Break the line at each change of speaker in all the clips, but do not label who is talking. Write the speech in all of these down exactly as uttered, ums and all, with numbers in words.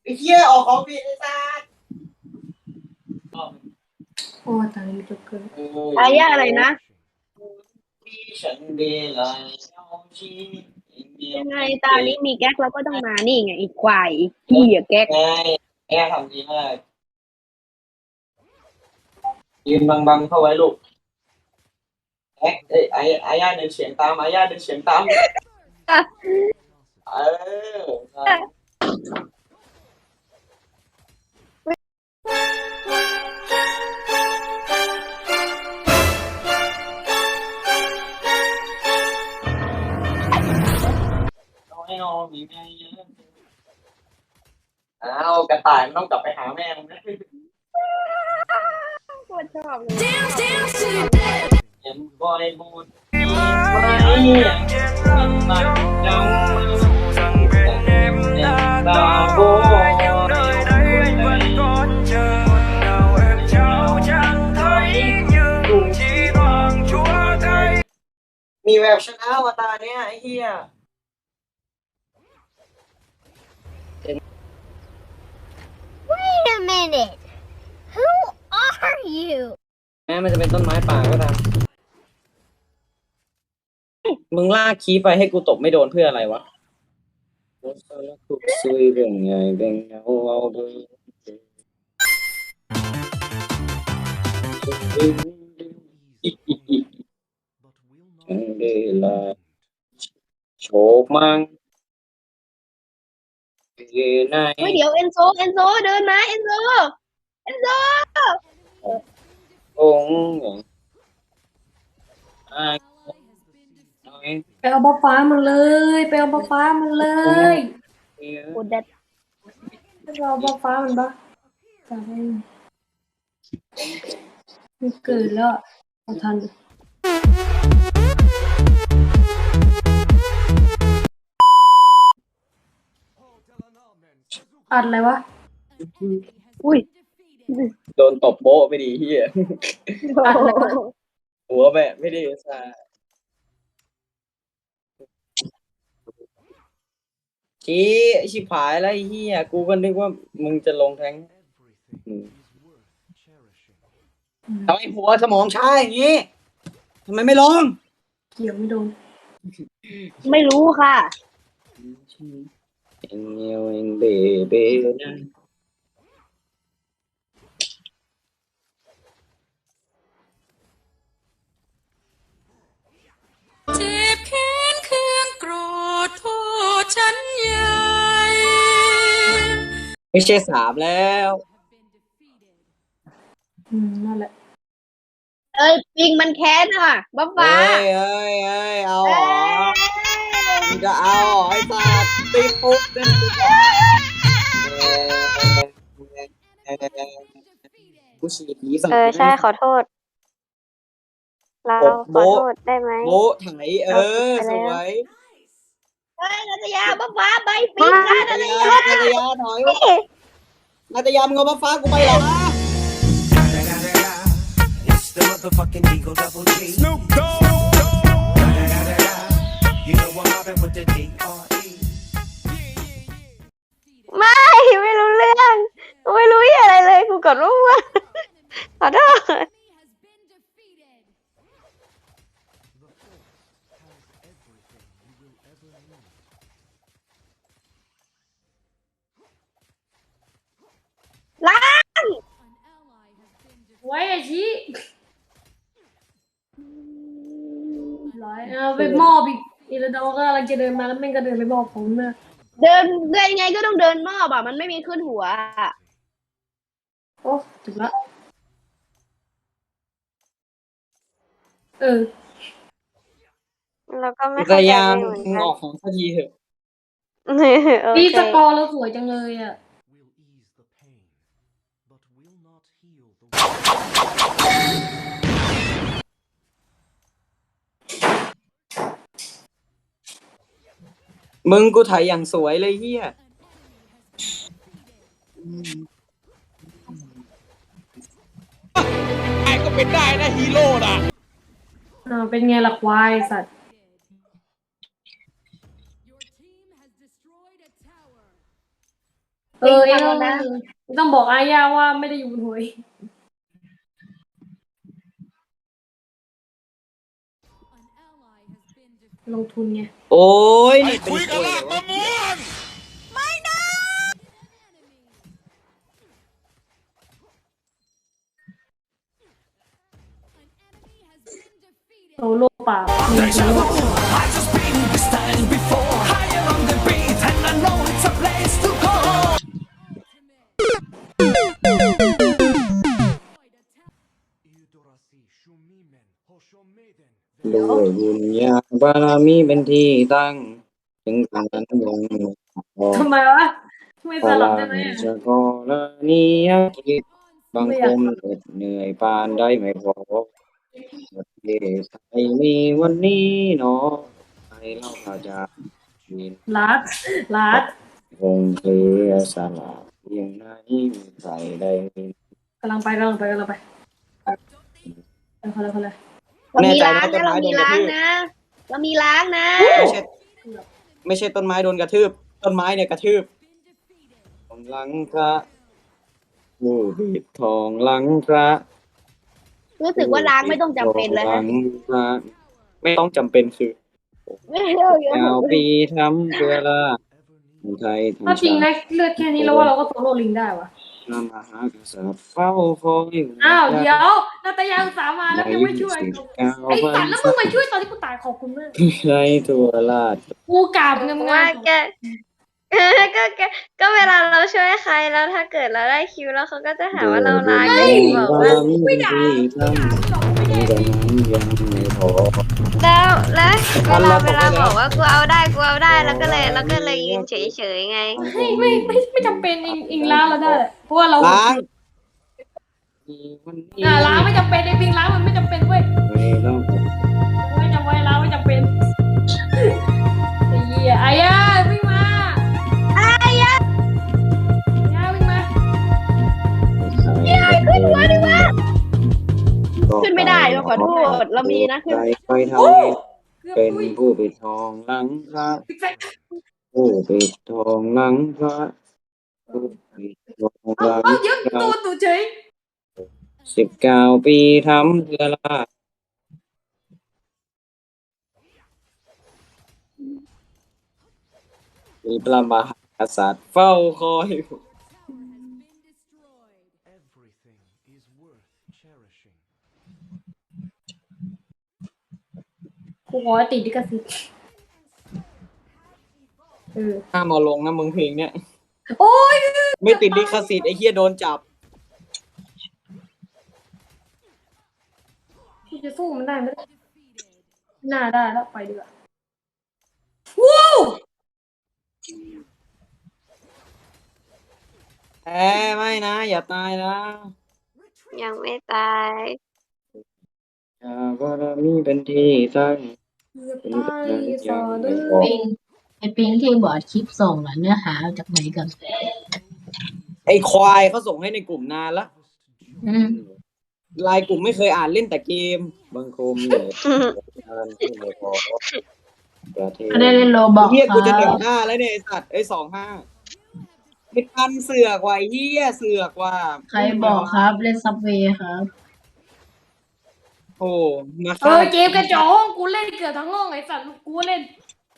ไอ้เหี้ยออกของผิดไอ้สัส
โอ้ตายมีจ็กเกอร์
อายะอะไรนะ
ที่ฉันเดลัย
ยังไงตานี้มีแก๊กเราก็ต้องมานี่ไงอีกควายอีกขี้อะแก๊ก
ไงแง่ทำดีมากยืนบังๆเข้าไว้ลูกแอ๊ะเอ้ยไอ้ไอ้ย่าเดินเฉียงตามไอ้ย่าเดินเฉียงตามเออน้อยนอนมีแม่เยอะอ้าวกระต่ายมันต้องกลับไปหาแม่มันนะ
โคตรชอบเลย
เห็นบอยบูดไม่มันมันจังตาโบมีแววชนะวะตาเนี้ยไอ้เหี้ย
Wait a minute. Who are you?
แม้มันจะเป็นต้นไม้ป่าก็ตามมึงลากคีไปให้กูตกไม่โดนเพื่ออะไรวะซุยเบ่งไงเบ่งเอาเอาดูฉันได้ลาโชคมังไหน
เฮ้ยเดี๋ยวเอนโซเอนโซเดินมาเอนโซเอนโซ
องอ่า
ไปเอาบ้าฟ้ามันเลยไปเอาบ้าฟ้ามันเลย
โคตรเด็ด
ไปเอาบ้าฟ้ามันบ้าจะให้มันเกิดแล้วเอาทันอัดอะไรวะ
อุ้ย
โดนตบโบ๊ะไปดีเฮีย
อัดอะไรวะ
หัวแบะไม่ดีซะชี้ชิบหายแล้วไอ้เฮียกูก็นึกว่ามึงจะลงแทงทำไมหัวสมองช้าอย่างนี้ทำไมไม่ลง
เกี่ยวไม่โดน
ไม่รู้ค่ะ
เอ็งเงียวเอ็งเบเบนะ
เจ็บแค้นเคืองโกรธโทษฉันใหญ่
ไม่ใช่สามแล้ว
อืมนั่นแหละ
เอ้ยปิงมันแค้นอ่ะบ้าฟ้า
เอ้ยเอ้ยเอ้ยเอาเหรอมึงจะเอาเหรอไอ้สัตว์ตีปุ๊บเต้นปุ๊บกูฉีดหนีสัตว์
เออใช่ขอโทษ เราขอโทษได้ไหม
โบ๊ะไถเออสวย
เฮ้ยนัตยาบ้าฟ้าไปปิงค่ะ
นา
นั
ต
ต
ยาย
า
นาตยาถอยนาตยามึงเอามาฟ้ากูไปเหรอ
It's the motherfucking Eagle Double G. Snoop Dogg. You know I'm mobbing with the D R E.
ไม่ไม่รู้เรื่อง ไม่รู้อะไรเลยกูกดรู้ว่าขอโทษ
ล้าง
ไว้ไอ้ชี้ร้อยเอาไปมอบอีกอีแล้วเราก็กำลังจะเดินมาแล้วแม่งก็เดินไปบอกผมนะ
เดินเดินยังไงก็ต้องเดินมอบอ่ะมันไม่มีขึ้นหัว
โอ้ถึงละเออ
เราก็ไม่
นาต
เข้าใจ
ยา
เห
มึ
มือน
ง
กัน
ออกของสักทีเถอะ
โอ
พี่
เค
สกอร์เราสวยจังเลยอ่ะ
มึงกูถ่ายอย่างสวยเลยเฮีย
ไอ้ก็เป็นได้นะฮีโร่น่ะ
อ่าเป็นไงล่ะควายสัตว์เออเองต้องต้องบอกอาญาว่าไม่ได้อยู่บนหวยลงทุนไง
โอ้ย
ไอ้
นี่เป็น
คุยกับลากมะม่วง
โซโล่เปล่ามีโซโล่
ด้วยบุญญาบารมีเป็นที่ตั้งถึงการนั้นยังพอ
ทำไมวะทำไม
พ
สลั
ลั
บ
ง
ได้ไหมอะ
จะกรณียกิจบางคนเหนื่อยปานได้ไม่พอประเทศไทยมีวันนี้เนาะใครเล่าข่าวจากมีน
ลัดลัด
คงเสียสละเพียงไหนมีใครได้เห็น
กำลังไปกำลังไปกำลังไปไปคนละคนละ
เรา
แน่
มี
ใจ
ล้า
นะ
ง
ต้น
นะ
ไม้
เรา
โด
มี
นกระ
ล้าง
ทืบ
นะ เรามีล้างนะ
ไม่ใช่ไม่ใช่ต้นไม้โดนกระทืบต้นไม้เนี่ยกระทืบหลังพระผู้ปิดทองหลังพระ
รู้สึกว่าล้างไม่ต้องจำเป็นแล้ว
หลั
นะ
งพระไม่ต้องจำเป็นคือ
ไม่เอาเยอะ
ยาวปีทำเพื่อละไทย
ถ้า
ทำ
จริง
ชา
นะ
ติ
เลือดแค่นี้แล้วว่าเราก็โซโล่ลิงได้วะ
นำมหากษัตริย์เฝ้าคอย
อ้าวเดี๋ยวนาตยาอุตสาห์มาแล้วยังไม่ช่วย
สิบเก้า
ไอ้
วั
สัต
น
ว์แล้วมึงมาช่วยตอนที่กูตายขอบคุณมาก
ไรทั่วราช
กูกราบงาม
ว่า
ๆ
แก ก็แกก็เวลาเราช่วยใครแล้วถ้าเกิดเราได้คิวแล้วเขาก็จะหาว่าเราร้ายก็อย่างบอกว่า
ไม่ด่าไม่ด่ายังไม่พอ
แล้วแล้วเว
อัน
ลา
ละ
เวลา
ตกไปแล้ว
บอกว่ากูเอาได้กูเอาได้แล้วก็เลยแล้วก็เลยยืนเฉยๆไง
ไม่ไม่ไม่ไม่จำเป็นอิงอิงล้างเราได้แหละเพราะว่าเรา
ล้างวันนี้
อ่าล้างไม่จำเป็นไอ้ปิงล้างมันไม่จำเป็นเว้ย
ไม่ต้อง
ไม่จำไว้ล้างไม่จำเป็นไอ้เหี้ยอายาวิ่งมาอายาอายาวิ่งมา
ขึ้นมาดิวะ
ขึ้นไม่ได้เราขอโทษ เรามีนะขึ้น
ไปทำให้
เกือบ
เป็น
อุ้ย
ผู้ปิดทองหลังพระผู้ปิดทองหลังพระผู้ปิดทองห
เอา
ลัง
เอาเดี๋ยว
พระ
ตัวตัวเฉย
สิบเก้าปีทำเพื่อละมีประมหากษัตริย์เฝ้าคอย
Everything is worth cherishing.
กูขอติดดิกสิทธิ์เออ
ห้ามเอาลงนะมึงเพลงเนี้ย
โอ้ย
ไม่ติดลิขสิทธิ์ไอ้เหี้ยโดนจับ
กูจะสู้มันได้ไหมน่าได้แล้วไปดีกว่าว้าว
แอไม่นะ อย่าตายนะ
ยังไม่ตาย
อย่าบารมีเป็นที่ตั้ง
เกือบตายสอดื้อ
ปิงไอปิงที่บอร์ดคลิปส่งอะเนื้อหาเอาจากไหนกัน
ไอ้ควายเขาส่งให้ในกลุ่มนานละ
อืม
ไลน์กลุ่มไม่เคยอ่านเล่นแต่เกมบางคมเนี่ยงานที่ไม่พอประเทศ
ก็ได้เล่นโลบอก
เฮียกูจะหนึ่
ค
ง
รับ
ห้าแล้วเนี่ยไอ้สัตว์ไอ้สองห้าไม่ทันเสือกว่ะไอ้เฮียเสือกว่ะ
ใครบอกครับเล่นซับเวย์ครับ
โอ้มา
เออเกมกระจอกห้องกูเล่นเกือบทั้งห้องไอ้สัตว์กูเล่น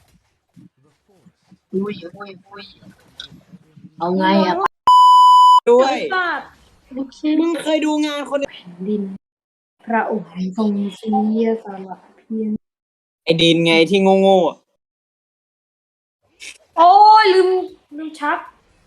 อุ้ยอุ้ยอุ้ยเอาไงอะ
ด้วย
ไอ้สัตว์
โอเค
มึงเคยดูงานคน
ดิน พระองค์ทรงเสียสละเพียง
ไอ้ดินไงที่โง่ๆอะ
โอ้ยลืมลืมชัก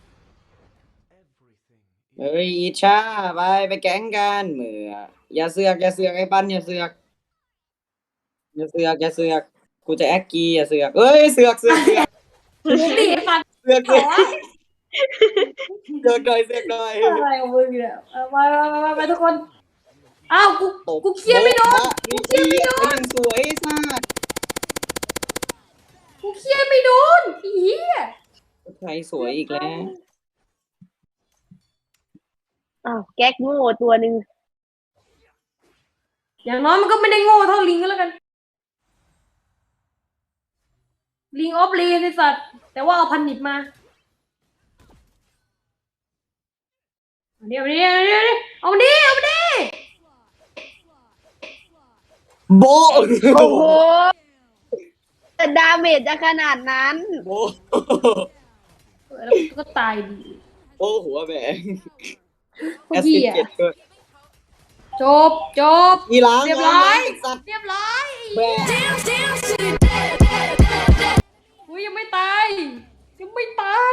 เฮ้ยอิชชาไปไปแก๊งกันเหมืออย่าเสือกอย่าเสือกไอ้ปันอย่าเสือกอย่าเสือกอย่าเสือกกูจะแอคกีอย่าเสือกเอ้ยเสือกเสือกเสือก
ตีไอ้สัตว์
เสือก
ขอ
เสือกเสือกหน่อยเสือกหน่อย
อะไรของมึงเนี่ยเอาไปไปไปไปทุกคน อ้าวกู
ตบ
กูเคลียร์ไม่โดน
กูเคลียร์ไม่โดนยังสวยไอ้สัส
กูเคลียร์ไม่โดนไอ้เหี้ย
ใครสวยอีกแล้ว
อ้าวแก๊กโง่ตัวหนึ่ง
อย่างน้อยมันก็ไม่ได้โง่เท่าลิงก็แล้วกัน ลิงออฟเลนไอ้สัตว์แต่ว่าเอาพันนิบมาเดี๋ยวเดี๋ยวเดี๋ยวเอาดิเอาดิ
โบ
โอ้โหแต่ดาเมจจะขนาดนั้น
โบ
แล้วก็ตายดี
โอ้หัวแบงแอส
เหี้
ซิ
ย
เจ็ดด้วย
จบจบ
อีหล้าง
เรียบร้อย
สัตว์
เรียบร้อย
แบง
อุ้ยยังไม่ตายยังไม่ตาย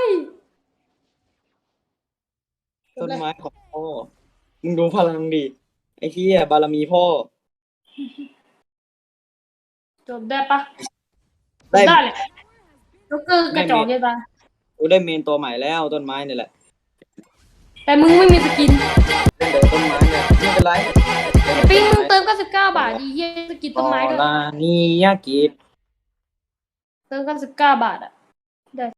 ต้นไม้ของพ่อมึงดูพลังดิไอ้เหี้ยบารมีพ่อ
จบได้ปะ
ได้
ได้เลยลูกเกอร์กระจอกยังไง
กูได้เมนตัวใหม่แล้วต้นไม้นี่แหละ
แต่มึงไม่มีสกิน
เล่นเดินต้นไม้เนี่ยไม่เป็นไร
ไอ้ปิ้งมึงเติมเก้าสิบเก้าบาทดีเยี่ยสกินต้นไม้ด้วย
ลานียากิ
เติมเก้าสิบเก้าบาทอ่ะ